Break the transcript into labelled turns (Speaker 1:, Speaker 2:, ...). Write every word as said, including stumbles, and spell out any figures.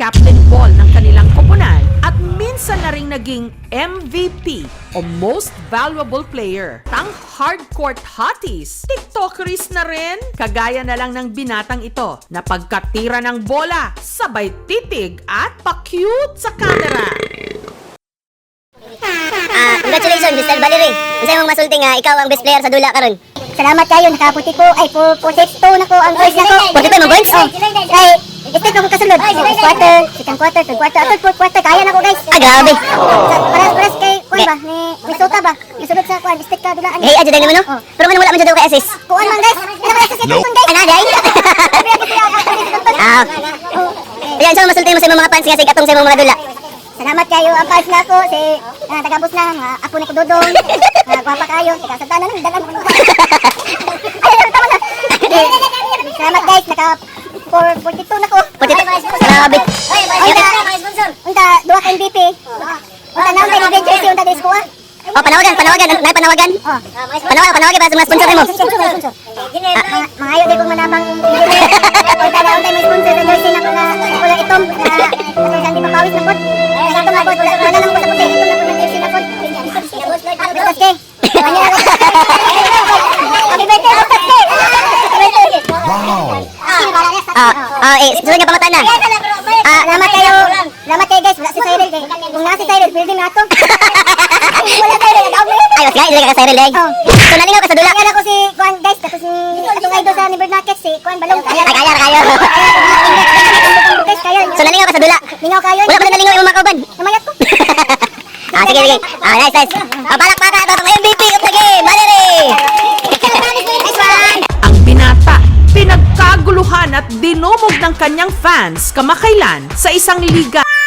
Speaker 1: captain ball ng kanilang koponan at minsan na ring naging M V P o Most Valuable Player. Tang hardcourt hotties, tiktokeries na rin, kagaya na lang ng binatang ito na pagkatira ng bola, sabay titig at pa-cute sa camera.
Speaker 2: Ah, congratulations, Mister Valerie. Unsa imong masulti nga ikaw ang best player sa dula karon?
Speaker 3: Salamat kayo, nakaputi ko, ay po, forty-two na ko ang first na ko.
Speaker 2: forty-two mo points?
Speaker 3: Oh, kay, estate ko kasunod. First quarter, second quarter, third quarter, third fourth quarter, kaya na ko guys.
Speaker 2: Ah, grabe.
Speaker 3: Paras, paras kay, kuan ba, ni Minnesota ba? Nasunod sa kuan, estate ka dulaan.
Speaker 2: Hey, adyo din mo no?
Speaker 3: Oh.
Speaker 2: Pero man wala man jud kay assist.
Speaker 3: Kuan man guys, ina ba sa second guys?
Speaker 2: Ana day. Ah. Ayan, so masulti mo sa imong mga fans nga sig atong sa imong mga dula.
Speaker 3: Salamat kayo, ang fans na ako, si, ah, tagabos na, nga, ako ni Kududong, nga, gwapa kayo, tika sa tanan, dalan mo. Ay, tama na. Salamat guys, naka forty-two na ko.
Speaker 2: forty-two. Grabe.
Speaker 3: Unta, unta, duha ka M V P. Unta na, unta, ni jersey, unta, disco ah.
Speaker 2: Oh, panawagan, panawagan, nay panawagan.
Speaker 3: Oh.
Speaker 2: Panawagan, panawagan para sa mga sponsor mo.
Speaker 3: Ah, mga ayaw din kong manamang engineer. Unta na, unta, may sponsor sa jersey na kuna, kuna itom, na, na, hindi mapawis na pod. Ito na pod, wala na lang po sa puti, ito na po ng jersey na pod. Basta ke. Happy birthday, basta ke. Happy birthday.
Speaker 2: Ah, ah, eh, sunod nga pangutana.
Speaker 3: Ah, salamat kayo. Salamat kayo guys. Wala si Cyril kay. Kung nasa si Cyril, pwede na ito. Wala Cyril, nag-out na.
Speaker 2: Ayos nga, dili ka Cyril day.
Speaker 3: Oh.
Speaker 2: So nalingaw ka sa dula.
Speaker 3: Kaya ako si Kuan guys, tapos si itong idol sa Neighbor Market, si Kuan Balong.
Speaker 2: Ay, kaya, kaya.
Speaker 3: Guys, kayo.
Speaker 2: So nalingaw ka sa dula.
Speaker 3: Lingaw kayo.
Speaker 2: Wala pa na nalingaw imong mga kauban.
Speaker 3: Namayat ko.
Speaker 2: Ah, sige, sige. Ah, nice, nice. Ah, palakpakan ito ang M V P of the game, Valerie!
Speaker 3: Nice one.
Speaker 1: Ang binata, pinagkaguluhan at dinumog ng kanyang fans kamakailan sa isang liga.